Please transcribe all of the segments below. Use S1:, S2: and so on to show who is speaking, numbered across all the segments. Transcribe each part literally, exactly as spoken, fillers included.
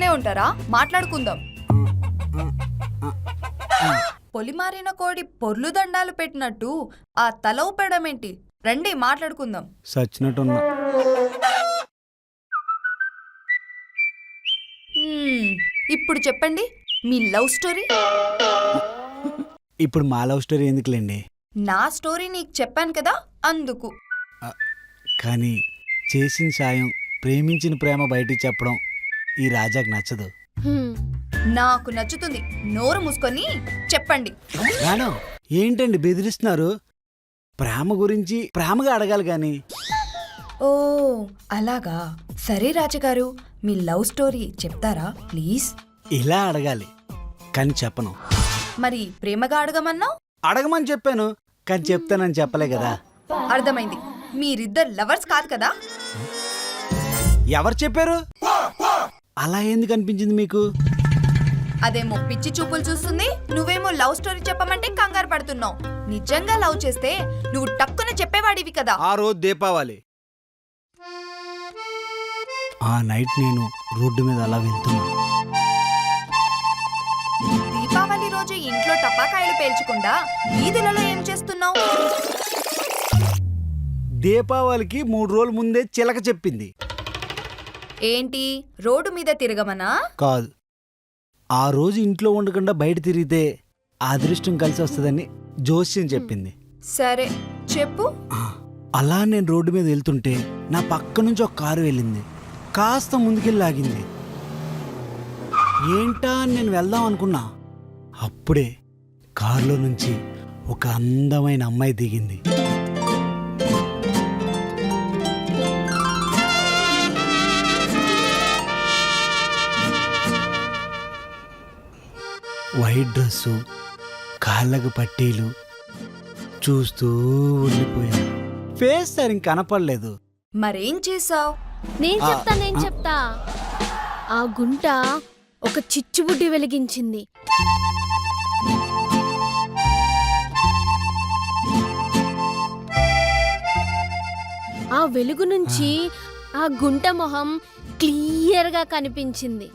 S1: ఉంటారా? మాట్లాడుకుందాం. పొలిమారిన కోడి పొర్లు దండాలు పెట్టినట్టు ఆ తల ఊపడమేంటి? రండి మాట్లాడుకుందాం.
S2: సచ్చినట్టున్నా.
S1: ఇప్పుడు చెప్పండి మీ లవ్ స్టోరీ.
S2: ఇప్పుడు మా లవ్ స్టోరీ ఎందుకులేండి?
S1: నా స్టోరీ నీకు చెప్పాను కదా అందుకు.
S2: కానీ చేసిన సాయం, ప్రేమించిన ప్రేమ బయటికి చెప్పడం ఈ రాజాకి నచ్చదు.
S1: నాకు నచ్చుతుంది. నోరు మూసుకొని చెప్పండి.
S2: రాను ఏంటండి బెదిరిస్తున్నారు? ప్రేమ గురించి ప్రేమగా అడగాలి గాని.
S1: ఓ అలాగా. సరే రాజుగారు, మీ లవ్ స్టోరీ చెప్తారా ప్లీజ్?
S2: ఇలా అడగాలి కానీ చెప్పను.
S1: మరి ప్రేమగా అడగమన్నావు?
S2: అడగమని చెప్పాను కానీ చెప్తానని చెప్పలే కదా.
S1: అర్థమైంది. మీరిద్దరు లవర్స్ కాదు కదా?
S2: ఎవరు చెప్పారు? అలా ఎందుకు అనిపించింది మీకు?
S1: అదేమో పిచ్చి చూపులు చూస్తుంది, నువ్వేమో లవ్ స్టోరీ చెప్పమంటే కంగారు పడుతున్నావు. నిజంగా లవ్ చేస్తే నువ్వు టక్కున చెప్పేవాడివి కదా.
S2: ఆ రోజు దీపావళి. ఆ నైట్ నేను రోడ్డు మీద అలా వెళ్తున్నా.
S1: దీపావళి రోజు ఇంట్లో టపాకాయలు పేల్చకుండా వీధులలో ఏం చేస్తున్నావు?
S2: దీపావళికి మూడు రోజుల ముందే చిలక చెప్పింది.
S1: ఏంటి రోడ్డు మీద తిరగమనా?
S2: కాదు, ఆ రోజు ఇంట్లో ఉండకుండా బయట తిరిగితే అదృష్టం కలిసి వస్తుందని జోస్యం చెప్పింది.
S1: సరే చెప్పు.
S2: అలా నేను రోడ్డు మీద వెళ్తుంటే నా పక్క నుంచి ఒక కారు వెళ్ళింది. కాస్త ముందుకెళ్ళి ఆగింది. ఏంటా అని నేను వెళ్దాం అనుకున్నా. అప్పుడే కారులో నుంచి ఒక అందమైన అమ్మాయి దిగింది. వైట్ డ్రెస్సు, కాళ్ళకు పట్టీలు, చూస్తూ ఉండిపోయాను. ఫేస్ సరిగ్గా కనపడలేదు.
S1: మరేం చేసావు?
S3: నేను చెప్తా నేను చెప్తా ఆ గుంట ఒక చిచ్చుబుడ్డి వెలిగించింది. ఆ వెలుగు నుంచి ఆ గుంట మొహం క్లియర్ గా కనిపించింది.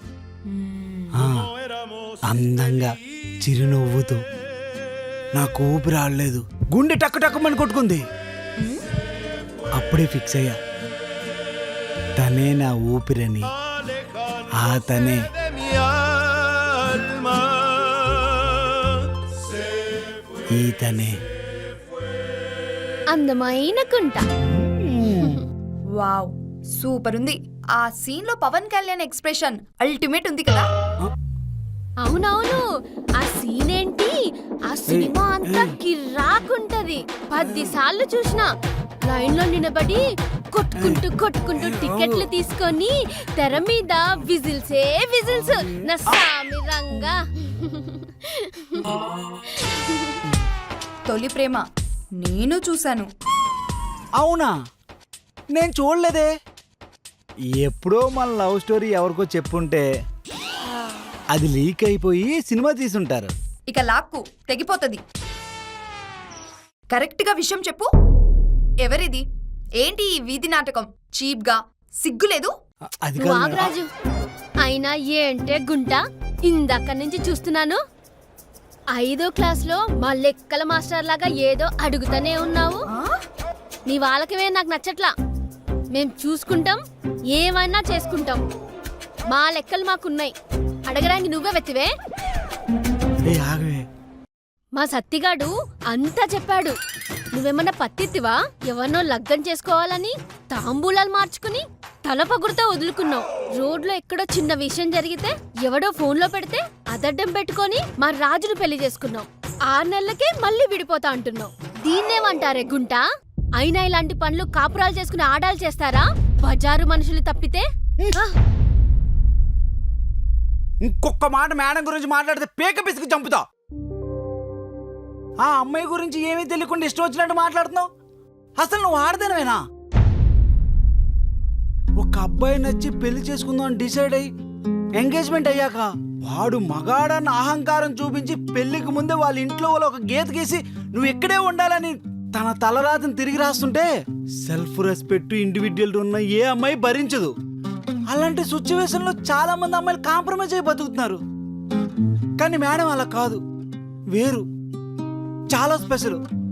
S2: అందంగా చిరునవ్వుతో. నాకు ఊపిరి ఆడలేదు, గుండె టక్కు టక్కుమని కొట్టుకుంది. అప్పుడే ఫిక్స్ అయ్యా, తనే నా ఊపిరని. ఆ తనే ఈ తనే
S3: అందమైన గుంట.
S1: వావ్ సూపర్ ఉంది. ఆ సీన్ లో పవన్ కళ్యాణ్ ఎక్స్ప్రెషన్ అల్టిమేట్ ఉంది కదా.
S3: అవునవును, ఆ సీన్ ఏంటి, ఆ సినిమా అంతా కిర్రాకుంటది. పది సార్లు చూసినా. లైన్ లో నిలబడి కొట్టుకుంటూ కొట్టుకుంటూ టికెట్లు తీసుకొని తెర మీద విజిల్సే విజిల్స్. నా సామి రంగా.
S1: తొలి ప్రేమ నేను చూశాను.
S2: అవునా? నేను చూడలేదే. ఎప్పుడో మన లవ్ స్టోరీ ఎవరికో చెప్పుంటే అది లీక్ అయిపోయి సినిమా తీసుంటారు.
S1: ఇక లాక్కు తెగిపోతుంది. కరెక్ట్ గా విషయం చెప్పు. ఎవరిది? ఏంటి ఈ వీధి నాటకం? చీప్ గా సిగ్గులేదు?
S2: అది
S3: వాగరాజు అయినా ఏంటే గుంట, ఇందాక నుంచి చూస్తున్నాను. ఐదో క్లాస్ లో మా లెక్కల మాస్టర్ లాగా ఏదో అడుగుతానే ఉన్నావు. నీ వాళ్ళకివే నాకు నచ్చట్లా. మేం చూసుకుంటాం, ఏమైనా చేసుకుంటాం. మా లెక్కలు మాకున్నాయి. అడగడానికి నువ్వే వెతివే. మా సత్తిగాడు అంతా చెప్పాడు. నువ్వేమన్నా పత్తిత్తివా? ఎవరినో లగ్గం చేసుకోవాలని తాంబూలాలు మార్చుకుని తల పగురుతో వదులుకున్నావు. రోడ్లో ఎక్కడో చిన్న విషయం జరిగితే ఎవడో ఫోన్లో పెడితే అదడ్డం పెట్టుకొని మా రాజును పెళ్లి చేసుకున్నావు. ఆరు నెలలకే మళ్ళీ విడిపోతా అంటున్నావు. దీన్నేమంటారే గుంట? అయినా ఇలాంటి పనులు కాపురాలు చేసుకుని ఆడాలు చేస్తారా? బజారు మనుషులు తప్పితే.
S2: ఇంకొక మాట మేడం గురించి మాట్లాడితే పేక పిసికి చంపుతా. ఆ అమ్మాయి గురించి ఏమీ తెలియకుండా ఇష్టం వచ్చినట్టు మాట్లాడుతున్నావు. అసలు నువ్వు ఆడదానవేనా? ఒక అబ్బాయి నచ్చి పెళ్లి చేసుకుందాం అని డిసైడ్ అయ్యి ఎంగేజ్మెంట్ అయ్యాక వాడు మగాడన్న అహంకారం చూపించి పెళ్లికి ముందే వాళ్ళ ఇంట్లో వాళ్ళు ఒక గీత గీసి నువ్వు ఇక్కడే ఉండాలని తన తలరాతను తిరిగి రాస్తుంటే సెల్ఫ్ రెస్పెక్ట్ ఇండివిడ్యువల్ ఉన్న ఏ అమ్మాయి భరించదు. అలాంటి సిచ్యువేషన్ లో చాలా మంది అమ్మాయిలు కాంప్రమైజ్ అయి బతుకుతున్నారు. కానీ మేడం అలా కాదు, వేరు, చాలా స్పెషల్.